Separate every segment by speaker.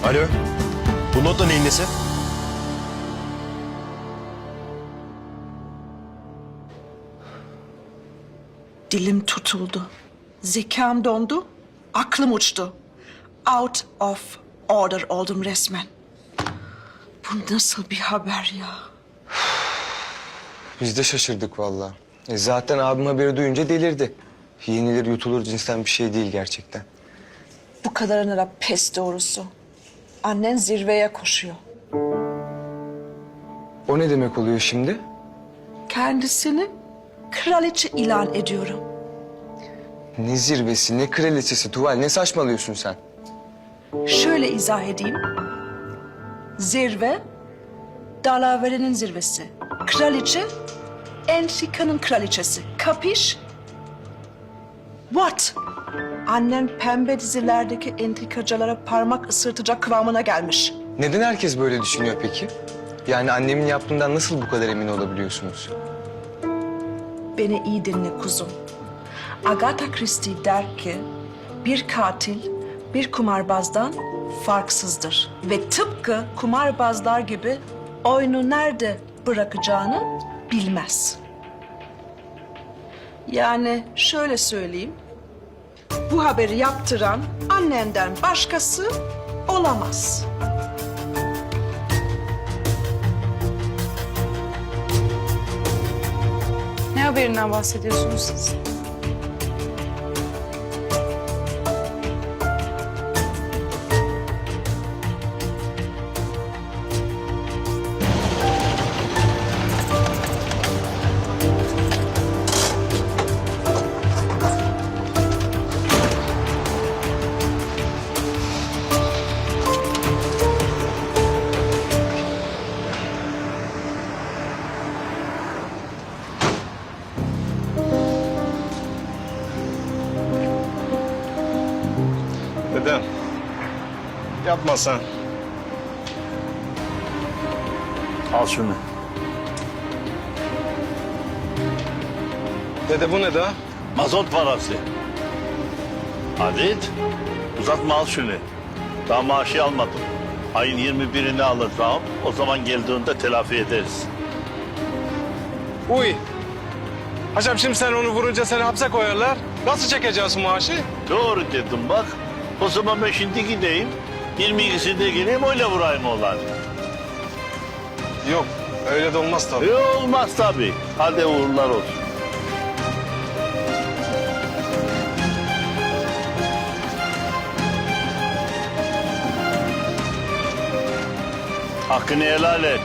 Speaker 1: Alo. Bu not da neyin nesi?
Speaker 2: Dilim tutuldu. Zekam dondu. Aklım uçtu. Out of order oldum resmen. Bu nasıl bir haber ya?
Speaker 3: Biz de şaşırdık vallahi. Zaten abim haberi duyunca delirdi. Yenilir yutulur cinsten bir şey değil gerçekten.
Speaker 2: Bu kadarına da pes doğrusu. Annen zirveye koşuyor.
Speaker 3: O ne demek oluyor şimdi?
Speaker 2: Kendisini kraliçe ilan ediyorum.
Speaker 3: Ne zirvesi, ne kraliçesi Tuval, ne saçmalıyorsun sen?
Speaker 2: Şöyle izah edeyim. Zirve, dalaverenin zirvesi. Kraliçe, entrikanın kraliçesi. Kapiş? What? Annen pembe dizilerdeki entrikacılara parmak ısırtacak kıvamına gelmiş.
Speaker 3: Neden herkes böyle düşünüyor peki? Yani annemin yaptığından nasıl bu kadar emin olabiliyorsunuz?
Speaker 2: Beni iyi dinle kuzum. Agatha Christie der ki, bir katil bir kumarbazdan farksızdır. Ve tıpkı kumarbazlar gibi oyunu nerede bırakacağını bilmez. Yani şöyle söyleyeyim, bu haberi yaptıran annenden başkası olamaz.
Speaker 4: Ne haberinden bahsediyorsunuz siz?
Speaker 5: Dedem, yapma sen.
Speaker 6: Al şunu.
Speaker 5: Dede bu ne daha?
Speaker 6: Mazot parası. Halit, uzatma al şunu. Daha maaşı almadım. Ayın 21'ini alacağım. O zaman geldiğinde telafi ederiz.
Speaker 5: Uy. Hocam şimdi sen onu vurunca seni hapse koyarlar. Nasıl çekeceğiz maaşı?
Speaker 6: Doğru dedim bak. O zaman ben şimdi gideyim. 22'sinde geleyim öyle vurayım oğlan.
Speaker 5: Yok, öyle de olmaz tabii.
Speaker 6: Olmaz tabii. Hadi uğurlar olsun. Hakkını helal et.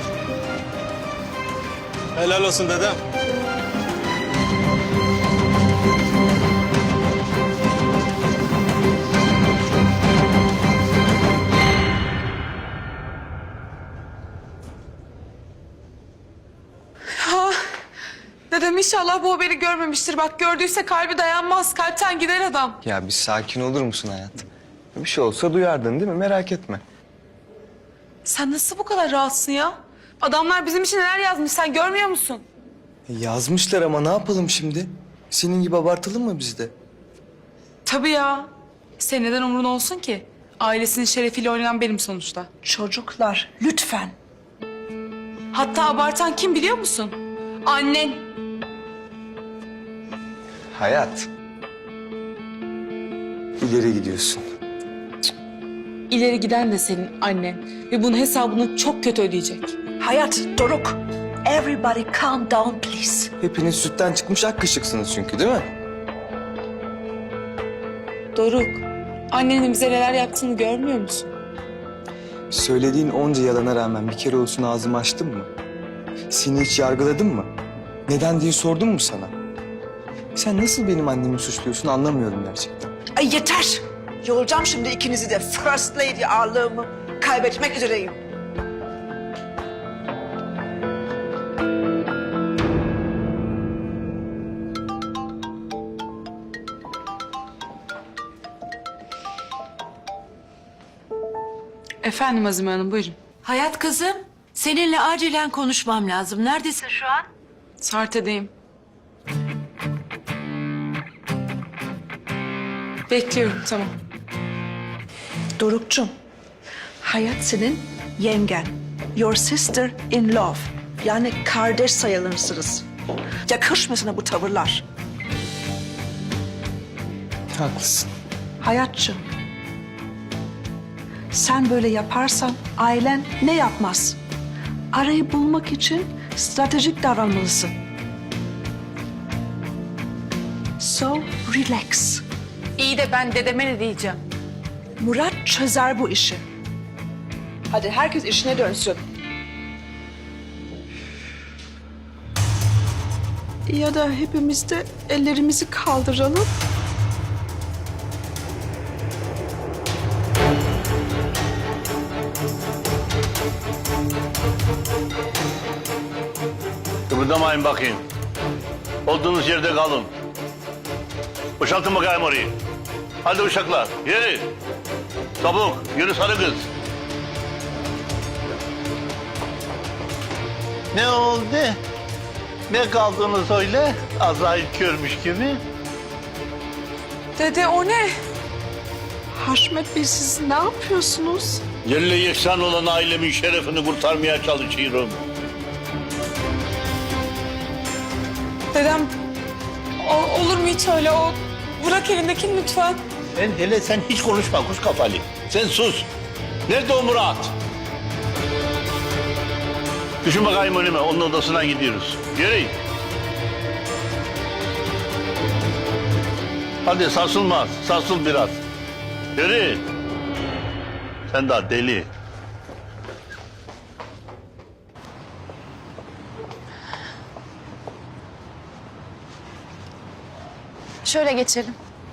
Speaker 5: Helal olsun dedem.
Speaker 4: Dedem inşallah bu haberi görmemiştir. Bak gördüyse kalbi dayanmaz. Kalpten gider adam.
Speaker 3: Ya bir sakin olur musun hayat? Bir şey olsa duyardın değil mi? Merak etme.
Speaker 4: Sen nasıl bu kadar rahatsın ya? Adamlar bizim için neler yazmış sen görmüyor musun?
Speaker 3: Yazmışlar ama ne yapalım şimdi? Senin gibi abartalım mı biz de?
Speaker 4: Tabii ya. Senin neden umrun olsun ki? Ailesinin şerefiyle oynayan benim sonuçta.
Speaker 2: Çocuklar, lütfen.
Speaker 4: Hatta abartan kim biliyor musun? Annen.
Speaker 3: Hayat. İleri gidiyorsun.
Speaker 4: İleri giden de senin annen. Ve bunun hesabını çok kötü ödeyecek.
Speaker 2: Hayat, Doruk. Everybody calm down please.
Speaker 3: Hepiniz sütten çıkmış ak kaşıksınız çünkü değil mi?
Speaker 4: Doruk, annenin bize neler yaptığını görmüyor musun?
Speaker 3: Söylediğin onca yalana rağmen bir kere olsun ağzımı açtın mı? Seni hiç yargıladım mı? Neden diye sordum mu sana? Sen nasıl benim annemi suçluyorsun anlamıyorum gerçekten.
Speaker 2: Ay yeter. Yoracağım şimdi ikinizi de. First Lady ağırlığımı kaybetmek üzereyim.
Speaker 4: Efendim Azime Hanım, buyurun.
Speaker 7: Hayat kızım, seninle acilen konuşmam lazım. Neredesin şu an?
Speaker 4: Sarte'deyim. Bekliyorum, tamam.
Speaker 2: Doruk'cum, Hayat senin yengen. Your sister in love. Yani kardeş sayılırsınız. Yakışmıyor sana bu tavırlar.
Speaker 3: Haklısın.
Speaker 2: Hayatçığım. Sen böyle yaparsan ailen ne yapmaz? Arayı bulmak için stratejik davranmalısın. So relax.
Speaker 4: İyi de ben dedeme ne diyeceğim?
Speaker 2: Murat çözer bu işi. Hadi herkes işine dönsün. Ya da hepimiz de ellerimizi kaldıralım.
Speaker 6: Kıpırdamayın bakayım. Olduğunuz yerde kalın. Boşaltın bakayım orayı. Hadi uşaklar, yürü. Çabuk, yürü sarı kız. Ne oldu? Ne kaldınız öyle? Azrail görmüş gibi.
Speaker 4: Dede o ne?
Speaker 2: Haşmet Bey siz ne yapıyorsunuz?
Speaker 6: Yerle yeksan olan ailemin şerefini kurtarmaya çalışıyorum.
Speaker 4: Dedem olur mu hiç öyle o? Bırak elindekini lütfen.
Speaker 6: Hele sen hiç konuşma kuş kafalı. Sen sus. Nerede o Murat? Düşün bakayım önüme. Onun odasına gidiyoruz. Yürü. Hadi sarsılma. Sarsıl biraz. Yürü. Sen daha deli.
Speaker 8: Şöyle geçelim.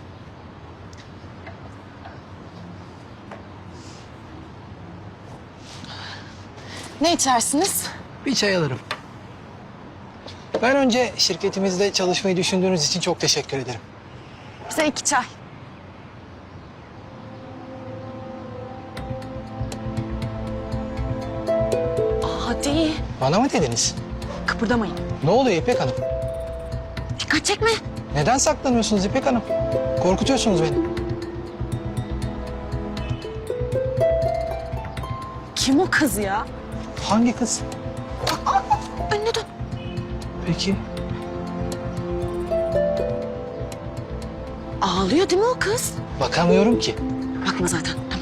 Speaker 8: Ne içersiniz?
Speaker 9: Bir çay alırım. Ben önce şirketimizde çalışmayı düşündüğünüz için çok teşekkür ederim.
Speaker 8: Bize 2 çay. Hadi.
Speaker 9: Bana mı dediniz?
Speaker 8: Kıpırdamayın.
Speaker 9: Ne oluyor İpek Hanım?
Speaker 8: Dikkat çekme.
Speaker 9: Neden saklanıyorsunuz İpek Hanım? Korkutuyorsunuz beni.
Speaker 8: Kim o kız ya?
Speaker 9: Hangi kız?
Speaker 8: Önüne dön.
Speaker 9: Peki.
Speaker 8: Ağlıyor değil mi o kız?
Speaker 9: Bakamıyorum ki.
Speaker 8: Bakma zaten.